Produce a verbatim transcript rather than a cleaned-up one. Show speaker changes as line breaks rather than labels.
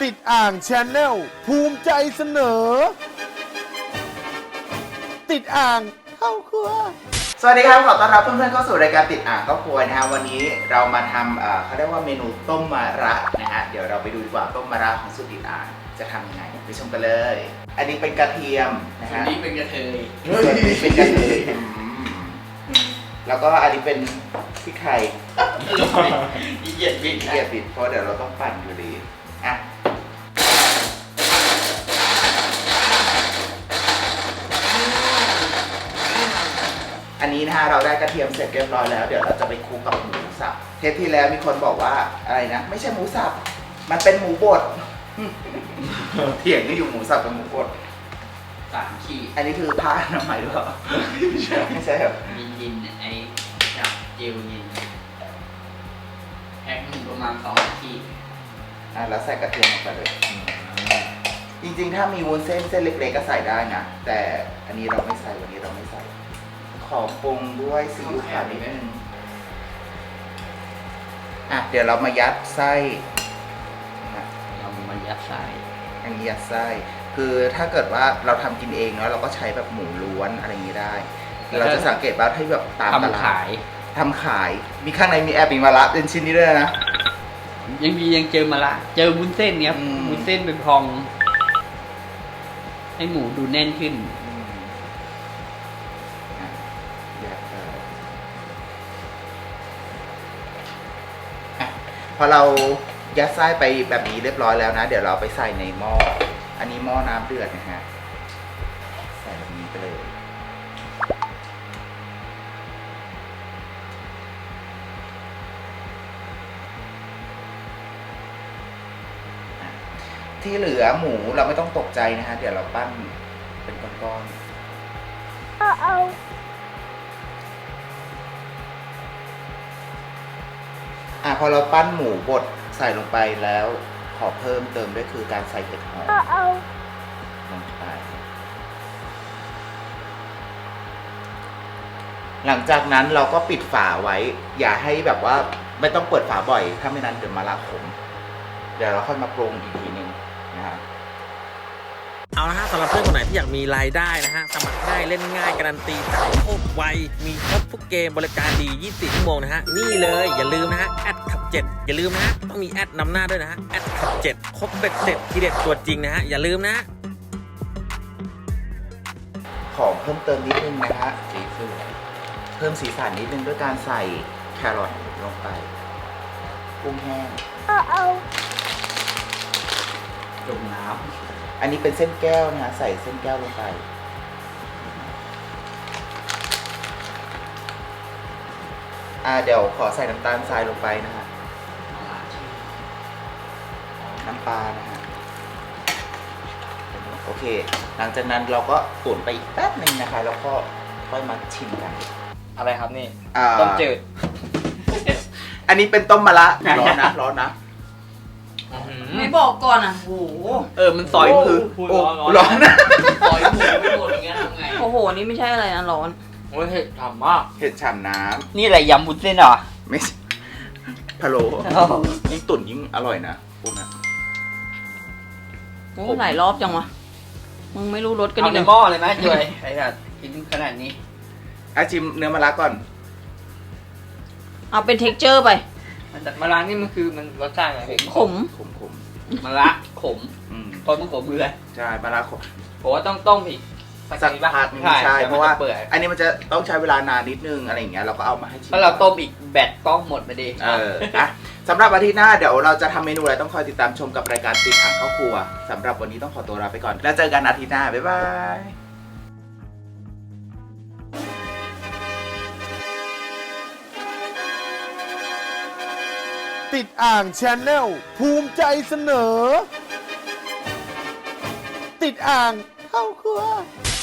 ติดอ่างแชนแนลภูมิใจเสนอ ติดอ่างเข้าครัว
สวัสดีครับขอต้อนรับเพื่อนๆเข้าสู่รายการติดอ่างครอบครัวนะฮะวันนี้เรามาทำเอ่อเขาเรียกว่าเมนูต้มมะระนะฮะเดี๋ยวเราไปดูดีกว่าต้มมะระของสูตรติดอ่างจะทำยังไงไปชมกันเลย อันนี้เป็นกระเทียมนะฮะ
อันนี้เป็นกระเทย
ส่วนนี้เป็นกระเทียมแล้วก็อันนี้เป็นพริกไทย
อีเหยียดบิด
เกียร์ปิดเพราะเดี๋ยวเราต้องปั่นอยู่ดีอ่ะอันนี้นะฮะเราได้กระเทียมเสร็จเรียบร้อยแล้วเดี๋ยวเราจะไปคลุกกับหมูสับเทปที่แล้วมีคนบอกว่าอะไรนะไม่ใช่หมูสับมันเป็นหมูบด เถียงกันอยู่หมูสับกับหมูบด
สามขีด
อันนี้คือผ้าอนามัยหรือเปล่าไม่ใช่ไม่ใช่ครับ
มียินไอ้จับเจลยินแพ็คหนึ่งประมาณสองขีด
อ่ะแล้วใส่กระเทียมลงไปเลยจริงๆถ้ามีวุ้นเส้นเส้นเล็กๆก็ใส่ได้นะแต่อันนี้เราไม่ใส่วันนี้เราไม่ใส่ขอปรุงด้วยซีอิ๊วขาวนิดนึงอ่ะเดี๋ยวเรามายัดไส้นะ
เรามายัดใส่
อันนี้ยัดไส้คือถ้าเกิดว่าเราทำกินเองเนาะเราก็ใช้แบบหมูล้วนอะไรอย่างนี้ได้ เราจะสังเกตว่าที่แบบตามตลาด
ทำขาย
ทำขายมีข้างในมีแอบมีมะระเป็นชิ้นนี้ด้วยนะ
ยังมียังเจอมาละเจอวุ้นเส้นเนี้ย
อืม
วุ้นเส้นเป็นพอง ให้หมูดูแน่นขึ้น
อืมอ่ะยัดไปอ่ะพอเรายัดไส้ไปแบบนี้เรียบร้อยแล้วนะ เดี๋ยวเราไปใส่ในหม้ออันนี้หม้อน้ำเดือดนะฮะใส่แบบนี้ไปเลยที่เหลือหมูเราไม่ต้องตกใจนะฮะเดี๋ยวเราปั้นเป็นก้อนๆอ่ะพอเราปั้นหมูบดใส่ลงไปแล้วขอเพิ่มเติมด้วยคือการใส่เห็ดหอมลงไปหลังจากนั้นเราก็ปิดฝาไว้ อย่าให้แบบว่าไม่ต้องเปิดฝาบ่อยถ้าไม่นั้นเดี๋ยวมะระขมเดี๋ยวเราค่อยมาปรุงอีกทีนึงนะครับ
เอาละฮะสำหรับเพื่อนคนไหนที่อยากมีรายได้นะฮะสมัครง่ายเล่นง่ายการันตีจ่ายโคตรไวมีครบทุกเกมบริการดียี่สิบสี่ชั่วโมงนะฮะนี่เลยอย่าลืมนะฮะแอดขับเจ็ดอย่าลืมนะฮะต้องมีแอดนำหน้าด้วยนะฮะแอดขับเจ็ดครบเบ็ดเสร็จทีเด็ดตัวจริงนะฮะอย่าลืมนะ
ขอเพิ่มเติมนิดนึงนะฮะสีสันเพิ่มสีสันนิดนึงด้วยการใส่แครอทลงไปกุ้งแห้ง
จุ่มน้
อันนี้เป็นเส้นแก้วนะฮะใส่เส้นแก้วลงไปอ่าเดี๋ยวขอใส่น้ำตาลทรายลงไปนะฮะ
ำ
น้ำปลานะฮะโอเค หลังจากนั้นเราก็ตุ๋นไปอีกแป๊บหนึ่งนะคะแล้วก็ค่อยมาชิมกัน
อะไรครับนี่
อ่า
ต้มจืด
อันนี้เป็นต้มมะระร้อนนะร้อนนะ
ไม่บอกก่อนอ่ะโห
เออมันซอย
คือ
พูด
โอ้
ร้อน
ร้อนนะ
ซอยหมูไม่หมดอย่างเงี้ยทำไง
โอ้โห นี่ไม่ใช่อะไรนะร้อน
โอ้ยเห็ดฉ่ำมาก
เห็ดฉ่ำน้
นี่อะไรยำวุ้นเส้นเหรอ
ำไม่ใช่พะโล้ยิ่งตุ๋นยิ่งอร่อยนะพวกนั้น
โอ้หลายรอบจังวะ มึงไม่รู้รสกัน
เอา
อีก
ใน
เหร
หม้
อ
อเลยไหมจอยไอ้สัตว์กินขนาดนี้
อาชิมเนื้อมะระก่อน
เอาเป็นเท็กเจอร์ไป
มันแต่มะระนี่มันคือมันรสชาติอะไร
ขม
ขมขม
มะระขม
ๆอืม
ตอนมันขมเลย
ใช่มะระขม
ผมว่าต้องต้มอีก
สักพักหนึงใช่
ดี๋ยว
เพ
มัน
ราะว่า
จเปื่อย
อันนี้มันจะต้องใช้เวลานานนิดนึงอะไรอย่างเงี้ยเราก็เอามาให้ชิม
ถ้าเราต้มอีกแบตต้องหมดไปดี
เอออะสำหรับอาทิตย์หน้าเดี๋ยวเราจะทำเมนูอะไรต้องคอยติดตามชมกับรายการติดอ่างเข้าครัวสำหรับวันนี้ต้องขอตัวลาไปก่อนแล้วเจอกันอาทิตย์หน้าบ๊ายบาย
ติดอ่างแชนแนลภูมิใจเสนอ ติดอ่างเข้าครัว